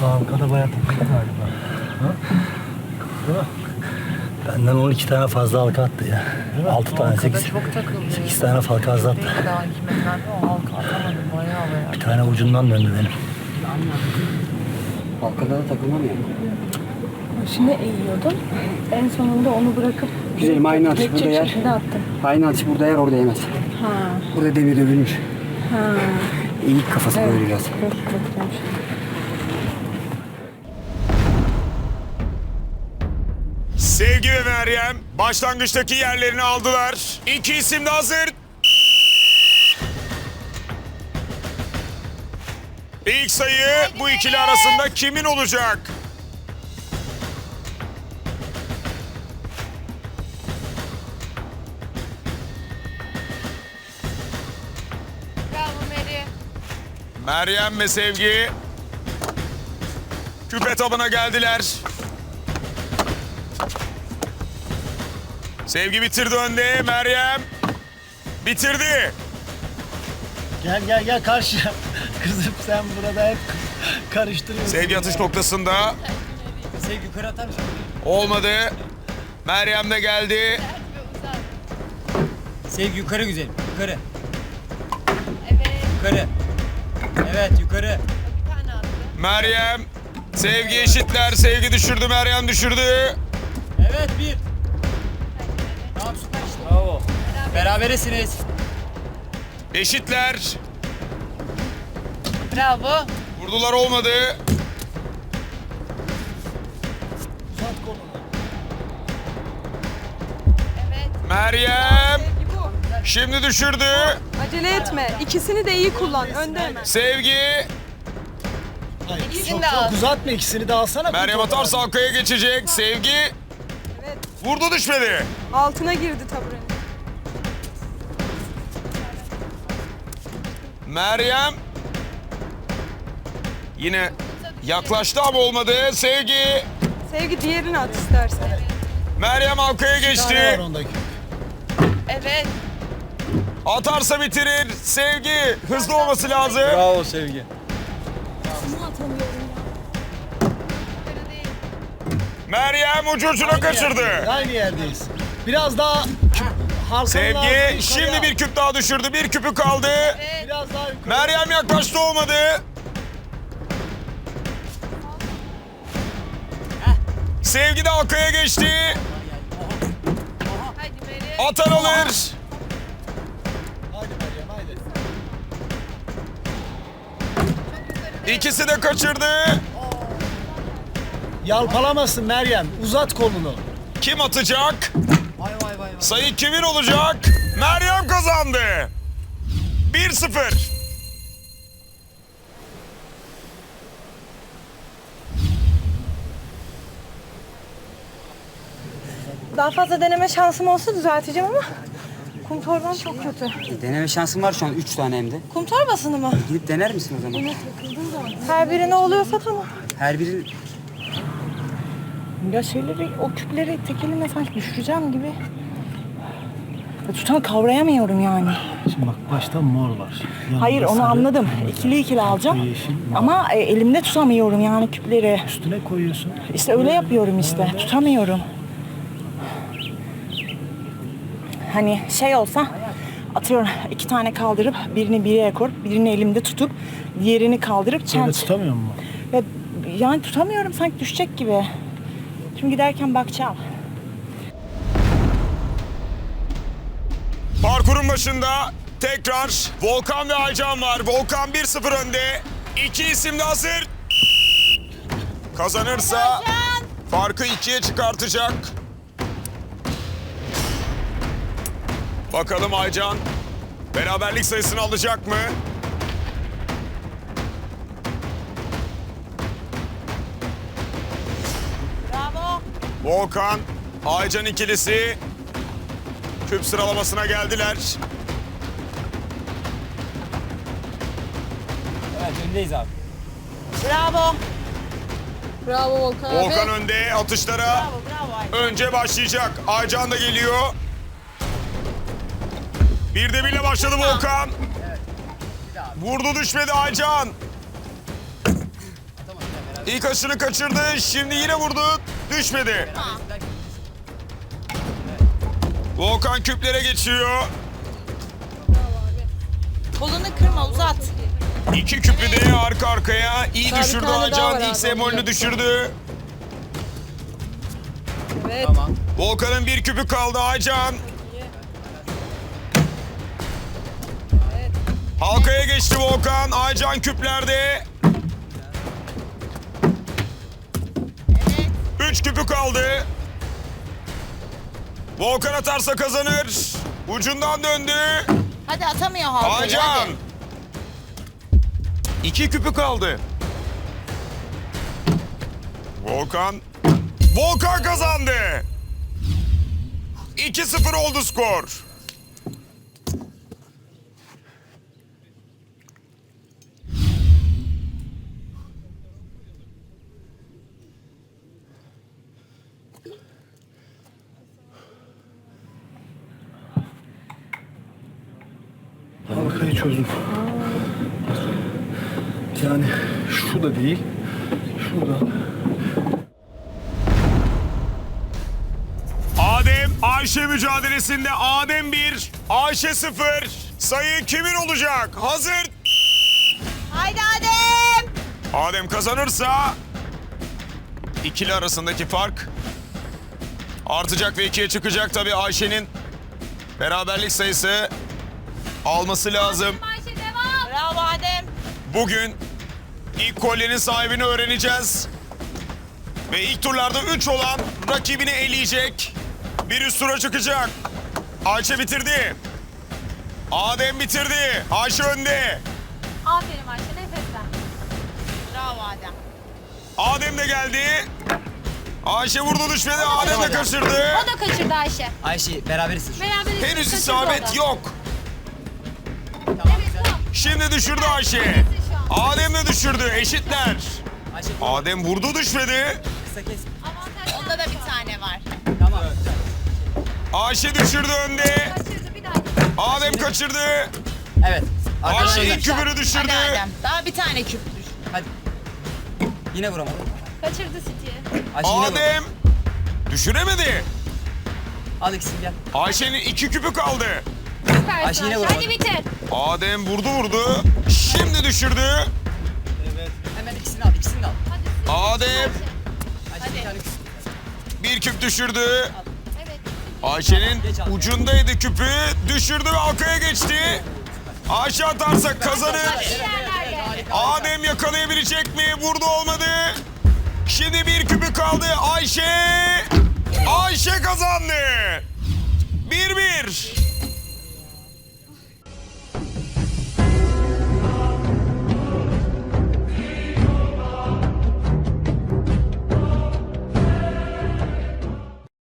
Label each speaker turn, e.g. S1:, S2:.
S1: Arkada bayağı takıldı galiba. Ha? Değil mi? Benden 12 tane fazla halka attı ya. 6 tane, 8 tane falka az attı.
S2: Daha 2 metrede o halka atamadım bayağı bayağı.
S1: Bir tane ucundan döndü benim.
S3: Halkada da takılmam yani.
S4: Başını eğiyordum. En sonunda onu bırakıp
S3: Güzelim aynı atış burada yer.
S4: şekilde attım.
S3: Aynı atış burada yer, orada yemez.
S4: Ha.
S3: Burada demir dövülmüş.
S4: Ha.
S3: Eğik kafası
S4: Evet.
S3: böyle biraz.
S4: Çok güzelmiş.
S5: Sevgi ve Meryem başlangıçtaki yerlerini aldılar. İki isim de hazır. İlk sayı bu ikili arasında kimin olacak?
S6: Bravo Meri.
S5: Meryem ve Sevgi küpe tabına geldiler. Sevgi bitirdi önde. Meryem bitirdi.
S1: Gel karşıya. Kızım sen burada hep karıştırıyorsun.
S5: Sevgi atış noktasında.
S3: Sevgi yukarı atar mısın?
S5: Olmadı. Meryem de geldi.
S3: Sevgi yukarı güzelim. Yukarı.
S6: Evet.
S3: Yukarı. Evet yukarı.
S6: Bir tane attı.
S5: Meryem, Sevgi eşitler. Sevgi düşürdü, Meryem düşürdü.
S3: Evet bir. Tamam süper işte. Bravo. Beraberesiniz.
S5: Eşitler.
S6: Bravo.
S5: Vurdular, olmadı.
S6: Evet.
S5: Meryem şimdi düşürdü.
S7: Acele etme. İkisini de iyi kullan. Önde hemen.
S5: Sevgi.
S6: İkisini de al.
S1: Uzatma, ikisini de alsana.
S5: Meryem atarsa halkaya geçecek. Sevgi.
S7: Evet.
S5: Vurdu, düşmedi.
S7: Altına girdi taburenin.
S5: Meryem. Yine yaklaştı ama olmadı. Sevgi.
S7: Sevgi diğerini at istersen.
S5: Meryem halkaya geçti.
S6: Evet.
S5: Atarsa bitirir. Sevgi. Hızlı olması lazım.
S3: Bravo Sevgi.
S6: Yukarı değil.
S5: Meryem ucu ucuna kaçırdı.
S1: Aynı yerdeyiz. Biraz daha
S5: Sevgi şimdi bir küp daha düşürdü. Bir küpü kaldı.
S6: Evet.
S1: Biraz daha yukarı.
S5: Meryem yaklaştı, olmadı. Sevgi de halkaya geçti.
S6: Hadi Meri.
S5: Atan alır.
S1: Haydi Meryem haydi.
S5: İkisi de kaçırdı.
S1: Yalpalamasın Meryem. Uzat kolunu.
S5: Kim atacak? Sayı kimin olacak? Meryem kazandı. 1-0.
S4: Daha fazla deneme şansım olsa düzelteceğim ama kum torbam çok kötü.
S3: Deneme şansın var şu an 3 tane hem de.
S4: Kum torbasını mı?
S3: Gidip dener misin o zaman?
S4: Her birine oluyorsa tamam.
S3: Her biri
S4: Ya o küpleri tek elimle sanki düşüreceğim gibi. Ya kavrayamıyorum yani.
S1: Şimdi bak başta mor var. Yanında
S4: Hayır onu
S1: sarı,
S4: anladım. İkili alacağım.
S1: yeşil,
S4: Ama elimde tutamıyorum yani küpleri.
S1: üstüne koyuyorsun.
S4: İşte öyle yapıyorum işte. Tutamıyorum. Hani şey olsa atıyorum 2 tane kaldırıp birini bir yere koyup birini elimde tutup diğerini kaldırıp
S1: Böyle tutamıyor mu?
S4: Ya, yani tutamıyorum sanki düşecek gibi. Şimdi giderken bakacağım.
S5: Parkurun başında tekrar Volkan ve Aycan var. Volkan 1-0 önde. İki isim de hazır. Kazanırsa farkı 2'ye çıkartacak. Bakalım Aycan beraberlik sayısını alacak mı?
S6: Bravo.
S5: Volkan, Aycan ikilisi küp sıralamasına geldiler.
S3: evet öndeyiz abi.
S6: Bravo.
S7: Bravo Volkan abi.
S5: Volkan önde, atışlara
S6: Bravo. Bravo.
S5: önce başlayacak. Aycan da geliyor. Bir de birle başladı Volkan. Vurdu, düşmedi Aycan. İlk aşını kaçırdı. Şimdi yine vurdu. Düşmedi. Volkan küplere geçiyor.
S6: Kolunu kırma, uzat.
S5: 2 küpü de arka arkaya. İyi
S7: Daha bir
S5: düşürdü
S7: tane daha var
S5: Aycan.
S7: abi,
S5: İlk semolünü
S7: onu
S5: düşürdü.
S7: Evet.
S5: Volkan'ın 1 küpü kaldı Aycan. Halkaya geçti Volkan. Aycan küplerde. 3 küpü kaldı. Volkan atarsa kazanır. Ucundan döndü.
S6: Hadi atamıyor halkayı.
S5: Aycan.
S6: hadi.
S5: 2 küpü kaldı. Volkan. Volkan kazandı. 2-0 oldu skor.
S1: Halkayı çözdüm. Yani şu da değil. Şurada.
S5: Adem Ayşe mücadelesinde Adem 1, Ayşe 0. Sayı kimin olacak? Hazır.
S6: Haydi Adem.
S5: Adem kazanırsa ikili arasındaki fark artacak ve 2'ye çıkacak. Tabii Ayşe'nin beraberlik sayısı alması lazım.
S6: Bravo Adem.
S5: Bugün ilk kolyenin sahibini öğreneceğiz. Ve ilk turlarda 3 olan rakibini eleyecek. Bir üst tura çıkacak. Ayşe bitirdi. Adem bitirdi. Ayşe önde.
S8: Aferin Ayşe, nefeslen.
S6: Bravo Adem.
S5: Adem de geldi. Ayşe vurdu düşmedi. Adem de kaçırdı.
S8: O da kaçırdı Ayşe.
S3: Ayşe beraberiz.
S8: Beraber
S5: Henüz
S8: kaçırdı
S5: isabet
S8: o da.
S5: yok.
S8: Evet, tamam.
S5: Şimdi düşürdü Ayşe. Adem de düşürdü. Eşitler.
S3: Ayşe
S5: Adem vurdu düşmedi.
S3: kısa kes.
S8: Avantaj
S6: Onda da bir tane var.
S3: Tamam.
S5: Ayşe düşürdü önde.
S8: kaçırdı bir daha.
S5: Adem kaçırdı.
S3: Evet.
S5: Ayşe
S3: Arkadaşlar.
S5: ilk küpünü düşürdü.
S6: Hadi Adem. Daha bir tane küp düş.
S3: Hadi. Yine vuramadım.
S8: Kaçırdı City'yi.
S3: Ayşe yine vur.
S5: Adem düşüremedi.
S3: Al ikisini gel.
S5: Ayşe'nin 2 küpü kaldı.
S8: Süpersin
S3: Ayşe
S8: Ayşe.
S3: yine vuramadı.
S8: Hadi bitir.
S5: Adem vurdu. Şimdi düşürdü.
S3: Hemen ikisini al. İkisini de al.
S8: Hadi.
S5: Adem
S3: Ayşe bir tane küs.
S5: bir küp düşürdü.
S8: Evet.
S5: Ayşe'nin ucundaydı küpü. Düşürdü ve arkaya geçti. Ayşe atarsa kazanır.
S8: Yerlerde.
S5: Adem yakalayabilecek mi? Vurdu olmadı. Şimdi bir küpü kaldı. Ayşe kazandı. 1-1.